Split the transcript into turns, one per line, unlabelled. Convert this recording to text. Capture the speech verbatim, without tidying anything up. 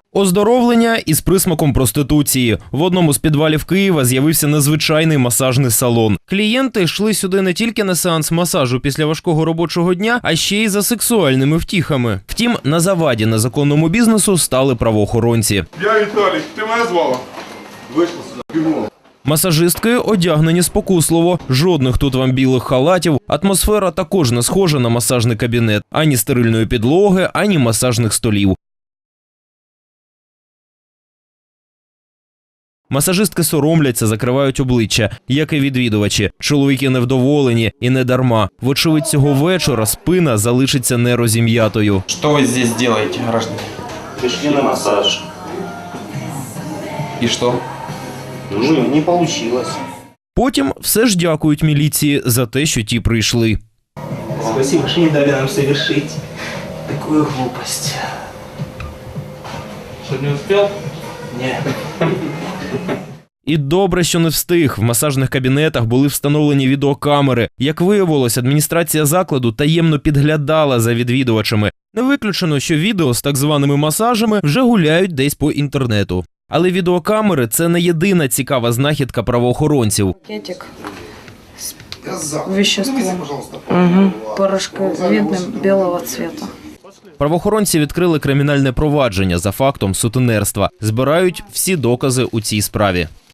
Оздоровлення із присмаком проституції. В одному з підвалів Києва з'явився незвичайний масажний салон. Клієнти йшли сюди не тільки на сеанс масажу після важкого робочого дня, а ще й за сексуальними втіхами. Втім, на заваді незаконному бізнесу стали правоохоронці.
Я Віталій, ти мене звала? Вийшла сюди, бігом.
Масажистки одягнені спокусливо. Жодних тут вам білих халатів. Атмосфера також не схожа на масажний кабінет. Ані стерильної підлоги, ані масажних столів. Масажистки соромляться, закривають обличчя, як і відвідувачі. Чоловіки невдоволені і не дарма. Вочевидь, цього вечора спина залишиться нерозім'ятою.
Що ви тут робите, граждане?
Пришли на массаж.
І що?
Ну, не получилось.
Потім все ж дякують міліції за те, що ті прийшли.
Спасибо, что не дали нам совершить такую глупость.
Що, не успів?
Нет.
І добре, що не встиг. В масажних кабінетах були встановлені відеокамери. Як виявилось, адміністрація закладу таємно підглядала за відвідувачами. Не виключено, що відео з так званими масажами вже гуляють десь по інтернету. Але відеокамери – це не єдина цікава знахідка правоохоронців.
Пакетик с веществом, угу. Порошковидным белого цвета.
Правоохоронці відкрили кримінальне провадження за фактом сутенерства. Збирають всі докази у цій справі.